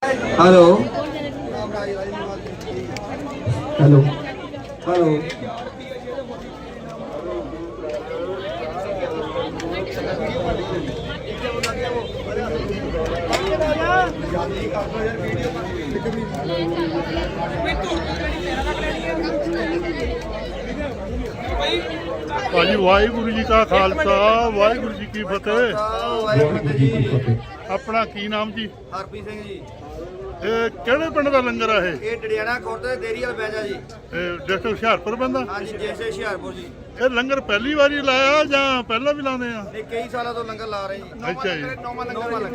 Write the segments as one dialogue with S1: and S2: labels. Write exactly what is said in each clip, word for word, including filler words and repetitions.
S1: Hello hello hello
S2: भाजी वाहिगुरु जी का खालसा वाहिगुरु जी की फतेह। अपना की नाम जी?
S3: हरप्रीत सिंह जी।
S2: ਕਿਹੜੇ ਪਿੰਡ ਦਾ ਲੰਗਰ ਆ ਇਹ?
S3: ਇਹ ਡੜਿਆਣਾ ਖੁਰਦ ਦੇ ਦੇਰੀ ਵਾਲਾ ਬੈਜਾ ਜੀ।
S2: ਡਿਸਟ੍ਰਿਕਟ ਹੁਸ਼ਿਆਰਪੁਰ ਪੈਂਦਾ?
S3: ਹਾਂਜੀ ਜੈਸੇ ਹੁਸ਼ਿਆਰਪੁਰ ਜੀ।
S2: ਇਹ ਲੰਗਰ ਪਹਿਲੀ ਵਾਰੀ ਲਾਇਆ ਜਾਂ ਪਹਿਲਾਂ ਵੀ ਲਾਉਂਦੇ ਆ?
S3: ਇਹ ਕਈ ਸਾਲਾਂ ਤੋਂ ਲੰਗਰ ਲਾ ਰਹੇ ਜੀ।
S2: ਅੱਛਾ ਜੀ।
S3: ਨੌਵਾਂ ਲੰਗਰ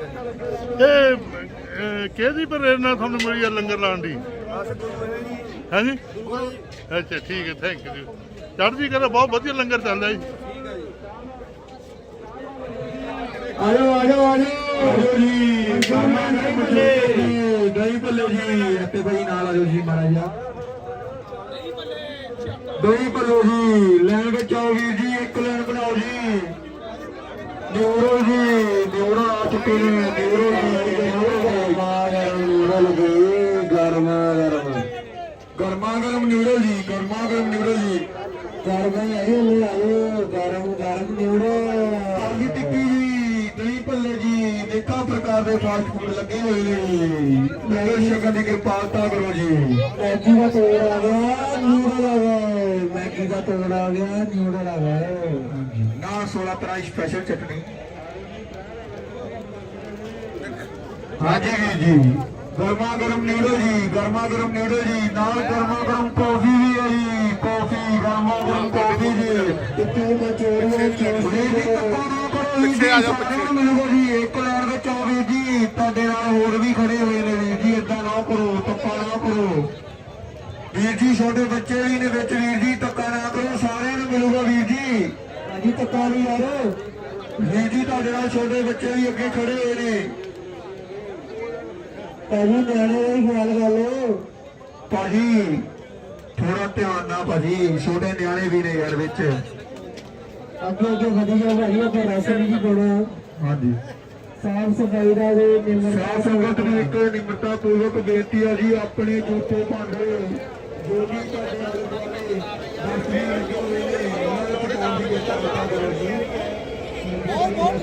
S2: ਇਹ ਕਿਹਦੀ ਪ੍ਰੇਰਨਾ ਤੁਹਾਨੂੰ ਮਿਲੀ ਆ ਲੰਗਰ ਲਾਉਣ ਦੀ?
S3: ਬਸ ਗੁਰੂ ਹੈ ਜੀ।
S2: ਹਾਂਜੀ
S3: ਗੁਰੂ ਜੀ।
S2: ਅੱਛਾ ਠੀਕ ਹੈ, ਥੈਂਕ ਯੂ ਜੀ। ਚੜ੍ਹਦੀ ਕਲਾ, ਬਹੁਤ ਵਧੀਆ ਲੰਗਰ ਚੱਲਦਾ ਜੀ।
S3: ਠੀਕ ਹੈ ਜੀ।
S1: आयो आयो आयो जी दही भल्ले दही भल्ले जी इत्ते भाई नाल आयो जी महाराज दही भल्ले जी लैन विच आओ वीर जी एक लैन बनाओ जी न्यूरो जी न्यूरो आ चुके ने न्यूरो जी न्यूरो लगे गरमा गरम गरमा गरम न्यूरो जी गरमा गरम न्यूरो जी गरमा आयो ले आयो गरम गरम न्यूरो आलू टिक्की जी दही भल्ले जी अनेक प्रकार के फास्ट फूड लगे हुए हैं शक्कर की कृपालता करो जी। मैगी का तोड़ आ गया न्यूडल आ गए मैगी का तोड़ आ गया न्यूडल आ गए ना सोलह तरह स्पेशल चटनी। हाँ जी वीर जी गर्मा गर्म न्यूडल जी गर्मा गर्म न्यूडल जी नाल गर्मा गर्म कॉफी भी है जी कॉफी गर्मा गर्म कॉफी जी पिछे आ जाओ पिछे मिलूगा जी एक लैन में चौबीस जी ਤੁਹਾਡੇ ਨਾਲ ਹੋਰ ਵੀ ਖੜੇ ਹੋਏ ਨੇ ਵੀਰ ਜੀ ਇਦਾਂ ਨਾ ਕਰੋ ਧੱਕਾ ਨਾ ਕਰੋ ਵੀਰ ਜੀ ਛੋਟੇ ਬੱਚੇ ਵੀ ਨੇ ਵਿੱਚ ਵੀਰ ਜੀ ਧੱਕਾ ਨਾ ਕਰੋ ਸਾਰਿਆਂ ਨੂੰ ਮਿਲੂਗਾ ਵੀਰ ਜੀ ਭਾਜੀ ਧੱਕਾ ਨਹੀਂ ਯਾਰ ਵੀਰ ਜੀ ਤੁਹਾਡੇ ਨਾਲ ਛੋਟੇ ਬੱਚੇ ਵੀ ਅੱਗੇ ਖੜੇ ਹੋਏ ਨੇ ਭਾਜੀ ਨਿਆਣੇ ਦਾ ਹੀ ਖਿਆਲ ਕਰ ਲਓ ਭਾਜੀ ਥੋੜਾ ਧਿਆਨ ਨਾਲ ਭਾਜੀ ਛੋਟੇ ਨਿਆਣੇ ਵੀ ਨੇ ਯਾਰ ਵਿੱਚ ਅੱਗੇ ਅੱਗੇ ਵਧੀਆ ਭਾਈ ਆਪਾਂ ਰਸਮ ਵੀ ਕੋਣਾ ਹਾਂਜੀ ਸਾਫ ਸਫਾਈ ਦਾ ਵੀ ਸਾਫ ਸੰਗਤ ਨੂੰ ਇੱਕ ਨਿਮਰਤਾ ਪੂਰਵਕ ਬੇਨਤੀ ਆ ਜੀ ਆਪਣੇ ਜੂਠੇ ਭਾਂਡੇ ਜੋ ਵੀ ਤੁਹਾਡੇ ਆਲੇ ਦੁਆਲੇ ਦਸਤੀ ਲੱਗੇ ਹੋਏ ਨੇ ਉਹਨਾਂ ਨੂੰ ਪਟਾਉਣ ਦੀ ਚੇਤਾ ਬਤਾ ਕਰੋ ਜੀ ਬਹੁਤ ਬਹੁਤ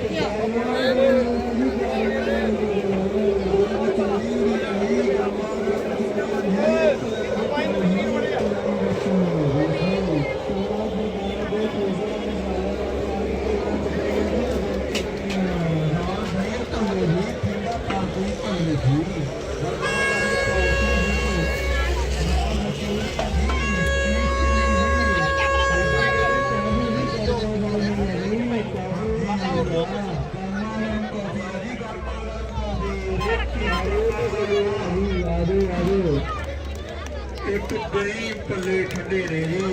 S1: एक दही भल्ले ठंडे ने जी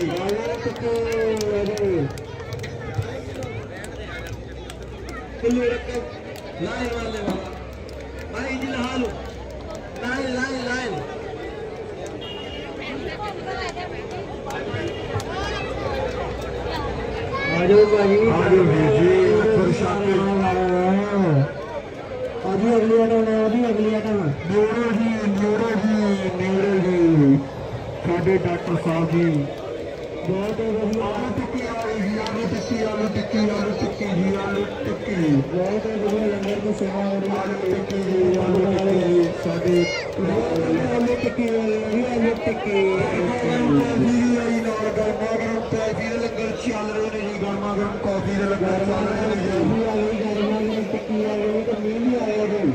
S1: किलो रकम लाइन वाले वाला भाई जी लहा लो लाइन लाइन लाइन आजो भाई आजो जी प्रशांत अभी अगली आइटम है अभी अगली आइटम न्यूरो जी न्यूरो जी न्यूरो जी साढ़े डॉक्टर साहब जी बहुत आलू टिक्की आ रही जी आलू टिक्की आलू टिक्की आलू टिक्की जी आलू टिक्की बहुत बढ़िया लंगर की सेवा हो रही है आलू टिक्की जी आलू टिक्की साढ़े आलू टिक्की आलू टिक्की गर्मा गर्म कॉफी लंगर चल रहे हैं जी गर्मा गर्म कॉफी लंगर